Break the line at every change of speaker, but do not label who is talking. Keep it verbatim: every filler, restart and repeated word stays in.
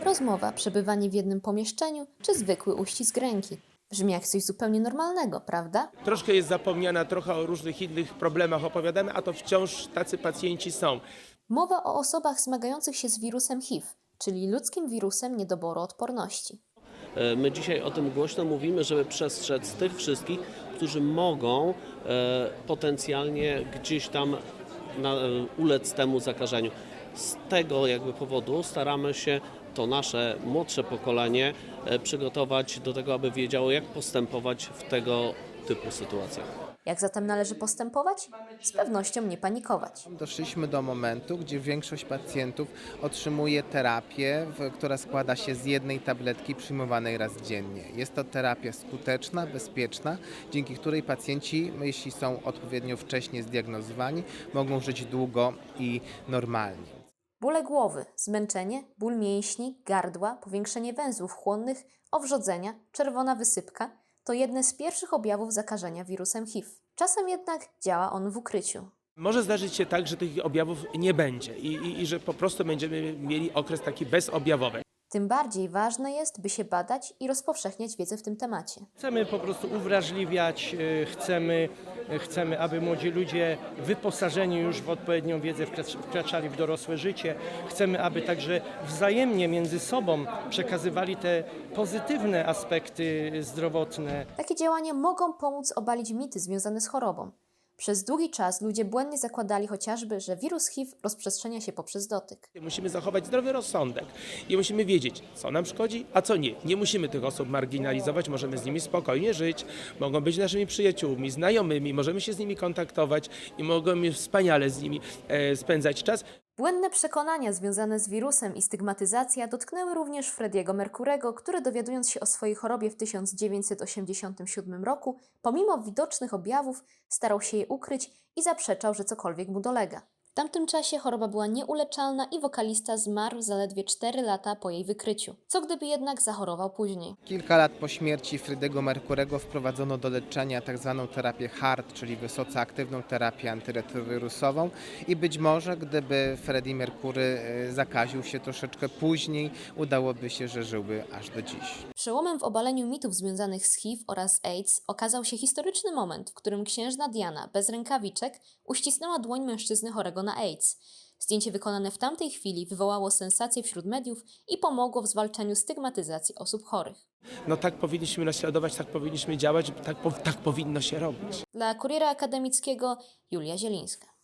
Rozmowa, przebywanie w jednym pomieszczeniu czy zwykły uścisk ręki. Brzmi jak coś zupełnie normalnego, prawda?
Troszkę jest zapomniana, trochę o różnych innych problemach opowiadamy, a to wciąż tacy pacjenci są.
Mowa o osobach zmagających się z wirusem H I V, czyli ludzkim wirusem niedoboru odporności.
My dzisiaj o tym głośno mówimy, żeby przestrzec tych wszystkich, którzy mogą e, potencjalnie gdzieś tam na, e, ulec temu zakażeniu. Z tego jakby powodu staramy się to nasze młodsze pokolenie e, przygotować do tego, aby wiedziało, jak postępować w tego typu sytuacjach.
Jak zatem należy postępować? Z pewnością nie panikować.
Doszliśmy do momentu, gdzie większość pacjentów otrzymuje terapię, w- która składa się z jednej tabletki przyjmowanej raz dziennie. Jest to terapia skuteczna, bezpieczna, dzięki której pacjenci, jeśli są odpowiednio wcześnie zdiagnozowani, mogą żyć długo i normalnie.
Bóle głowy, zmęczenie, ból mięśni, gardła, powiększenie węzłów chłonnych, owrzodzenia, czerwona wysypka to jedne z pierwszych objawów zakażenia wirusem H I V. Czasem jednak działa on w ukryciu.
Może zdarzyć się tak, że tych objawów nie będzie i, i, i że po prostu będziemy mieli okres taki bezobjawowy.
Tym bardziej ważne jest, by się badać i rozpowszechniać wiedzę w tym temacie.
Chcemy po prostu uwrażliwiać, e, chcemy, e, chcemy, aby młodzi ludzie wyposażeni już w odpowiednią wiedzę wkracz- wkraczali w dorosłe życie. Chcemy, aby także wzajemnie między sobą przekazywali te pozytywne aspekty zdrowotne.
Takie działania mogą pomóc obalić mity związane z chorobą. Przez długi czas ludzie błędnie zakładali chociażby, że wirus H I V rozprzestrzenia się poprzez dotyk.
Musimy zachować zdrowy rozsądek i musimy wiedzieć, co nam szkodzi, a co nie. Nie musimy tych osób marginalizować, możemy z nimi spokojnie żyć, mogą być naszymi przyjaciółmi, znajomymi, możemy się z nimi kontaktować i możemy wspaniale z nimi e, spędzać czas.
Błędne przekonania związane z wirusem i stygmatyzacja dotknęły również Freddie'ego Mercurego, który dowiadując się o swojej chorobie w tysiąc dziewięćset osiemdziesiątym siódmym roku, pomimo widocznych objawów, starał się je ukryć i zaprzeczał, że cokolwiek mu dolega. W tamtym czasie choroba była nieuleczalna i wokalista zmarł zaledwie cztery lata po jej wykryciu. Co gdyby jednak zachorował później?
Kilka lat po śmierci Freddie'ego Mercurego wprowadzono do leczenia tzw. terapię hard, czyli wysoce aktywną terapię antyretrowirusową i być może gdyby Freddie Mercury e, zakaził się troszeczkę później, udałoby się, że żyłby aż do dziś.
Przełomem w obaleniu mitów związanych z H I V oraz AIDS okazał się historyczny moment, w którym księżna Diana bez rękawiczek uścisnęła dłoń mężczyzny chorego na AIDS. Zdjęcie wykonane w tamtej chwili wywołało sensację wśród mediów i pomogło w zwalczaniu stygmatyzacji osób chorych.
No tak powinniśmy naśladować, tak powinniśmy działać, tak, po, tak powinno się robić.
Dla Kuriera Akademickiego Julia Zielińska.